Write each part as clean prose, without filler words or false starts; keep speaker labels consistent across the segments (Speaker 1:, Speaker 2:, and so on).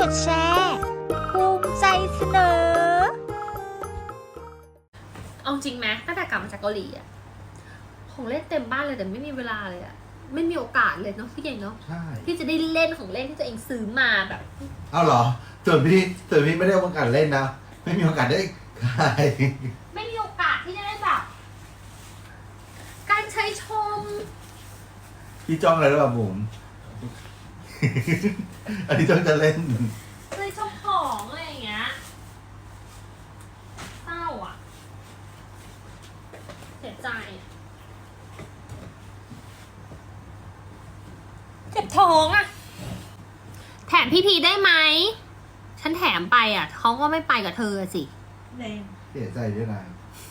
Speaker 1: ดแชร์ภูมิใจเสนอ
Speaker 2: เอาจริงไหมตั้งแต่กลับมาจากเกาหลีอะของเล่นเต็มบ้านเลยแต่ไม่มีเวลาเลยอะไม่มีโอกาสเลยเนาะพี่เก่งเนาะ
Speaker 3: ใช่
Speaker 2: ที่จะได้เล่นของเล่นที่ตัวเองซื้อมาแบบ
Speaker 3: เอาเหรอส่วนพี่ไม่ได้โอกาสเล่นนะไม่มีโอกาสได้ขาย
Speaker 2: ไม่มีโอกาสที่จะได้แบบการใช้ชม
Speaker 3: พี่จ้องอะไรหรือเปล่าบุ๋ม อันนี้จ้องจะเล่น
Speaker 2: เคยชมของอะไรอย่างเงี้ยเศร้าอ่ะเสียใจอะเจ็บท้องอ่ะแถมพี่พีได้ไหมฉันแถมไปอ่ะเขาก็ไม่ไปกับเธอสิ
Speaker 3: เสียใจด้วยนะ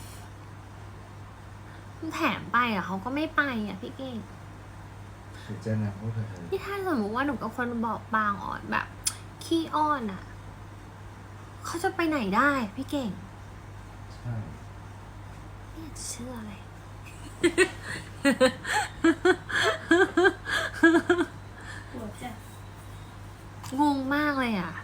Speaker 2: แถมไปอ่ะเขาก็ไม่ไปอ่ะพี่เก่ง
Speaker 3: เสียใจนะพวกเธอ
Speaker 2: ที่ถ้าสมมติว่าหนูกับคนบอกบางอ่อนแบบขี้อ้อนอ่ะเขาจะไปไหนได้พี่เก่ง
Speaker 3: ใช่
Speaker 2: ไม่อยากจะเชื่ออะไร งงมากเลยอ่ะ